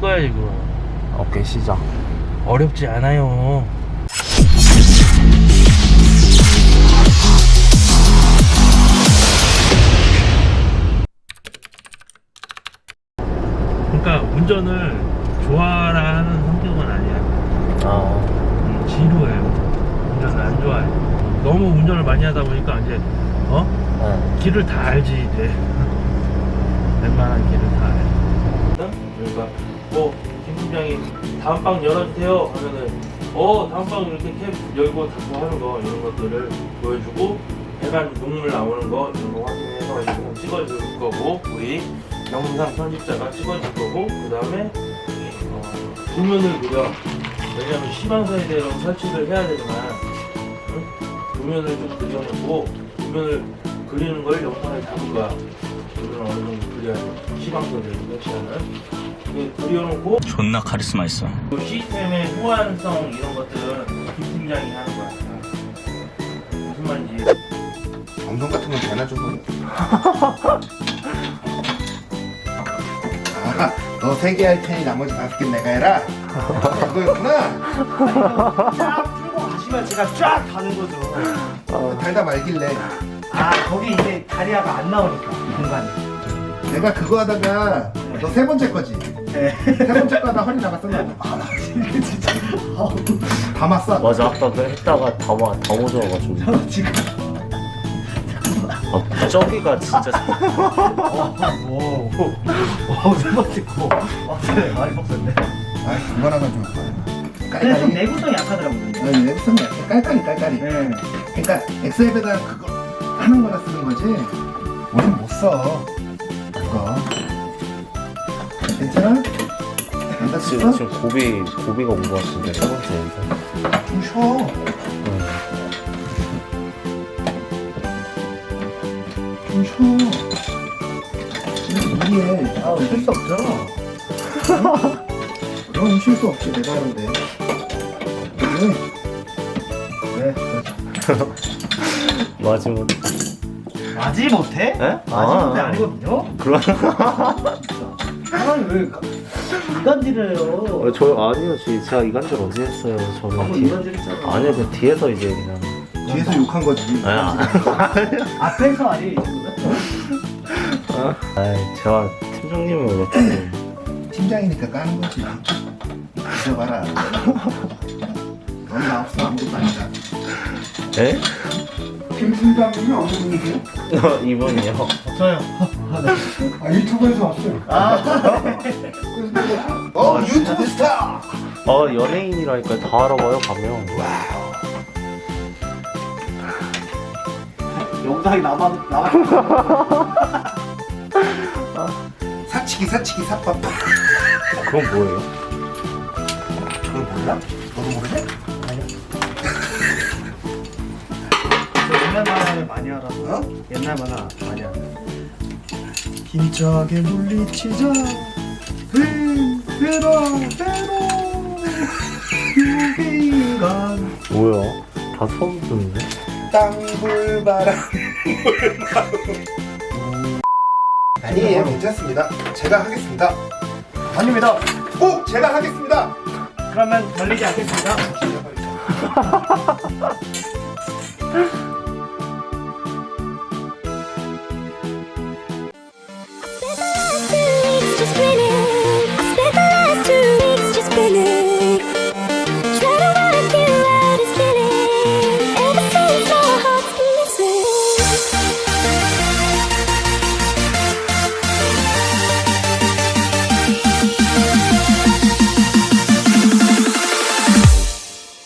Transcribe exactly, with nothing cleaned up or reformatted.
거야 지금. 오케이 시작. 어렵지 않아요. 그러니까 운전을 좋아라 하는 성격은 아니야. 아 음, 지루해요. 운전을 안 좋아해. 너무 운전을 많이 하다 보니까 이제 어? 네. 길을 다 알지 이제. 웬만한 길을 다 알지. 그러니까 뭐김 팀장이 다음 방 열어주세요 하면은 어 다음 방 이렇게 캠 열고 닫고 하는 거 이런 것들을 보여주고 배관 녹물 나오는 거 이런 거 확인해서 이거 찍어줄 거고 우리 영상 편집자가 찍어줄 거고 그 다음에 어, 도면을 그려. 왜냐면 시방사에 대한 설치를 해야 되지만 응? 도면을 좀 그려놓고 도면을 그리는 걸 영상에 담을 거야. 도면을 어느 정도 그려야 돼. 시방사를 설치하는 그려놓고 존나 카리스마 있어. 그 시스템의 호환성 이런 것들은 김 팀장이 하는 거야. 무슨 말인지. 방송 같은 건 배나 좀 아, 너 세 개 할 테니 나머지 다섯 개 내가 해라. 그거였구나. 쫙 풀고 가시면 제가 쫙 가는 거죠. 어, 달다 말길래 아 거기 이제 다리아가 안 나오니까 공간이. 내가 그거 하다가 너 세 번째 거지. 네. 세 번째 거 하다 허리 나갔었나? 아 나 진짜 아우, 담았어. 맞아 아까 그 했다가 다 모- 다 모자라가지고. 저 지금 아 저기가 진짜. 와와세 번째 거. 아 네, 많이 없었네. 아, 그만하면 좀 아파요. 근데 좀 깔깔이. 내구성이 약하더라고요. 네, 내구성이 약해. 깔깔이, 깔깔이. 네. 그러니까 엑셀에다 그거 하는 거라 쓰는 거지. 우린 못 써. 그거. 괜찮아? 안 지금 다쳤어? 지금 고비 고비가 온 것 같은데 세 번째 인사. 좀 쉬어. 좀 쉬어. 왜 무리해? 아 어쩔 수 없죠. 그럼 쉴 수 없지. 내가 하는데. 왜? 네. 마지막. 마지 못해? 에? 마지 못해 아. 아니거든요. 그런. 사람이 왜 이간질을 해요? 어, 저 아니요, 지 제가 이간질 어제 했어요. 저는 아무 뒤- 이간질 했잖아. 아니요, 그 뒤에서 이제 그냥. 뒤에서 욕한 거지. 아, 앞에서 아니. 아이, 제가 팀장님을 왜 또. 팀장이니까 까는 거지. 잊어봐라. 넌 나 없어 아무것도 아니다. 에? 김 팀장님이 어느 분이세요? 어, 이분이요. 저요. 아 유튜브에서 왔어요. 아. 어 유튜브 스타. 어, 연예인이라니까 다 알아봐요, 가면. 영상이 남아 남아. 사치기 사치기 사빠빠. 그건 뭐예요? 그걸 몰라? 너도 모르지? 옛날 만화를 많이 알아서. 어? 옛날 만화 많이 알아. 힘차게 물리치자. 베라 베라. 유기인간. 뭐야? 다 처음 듣는데? 땅굴바람. 아니에요, 괜찮습니다. 제가 하겠습니다. 아닙니다. 꼭 제가 하겠습니다. 그러면 걸리지 않겠습니다.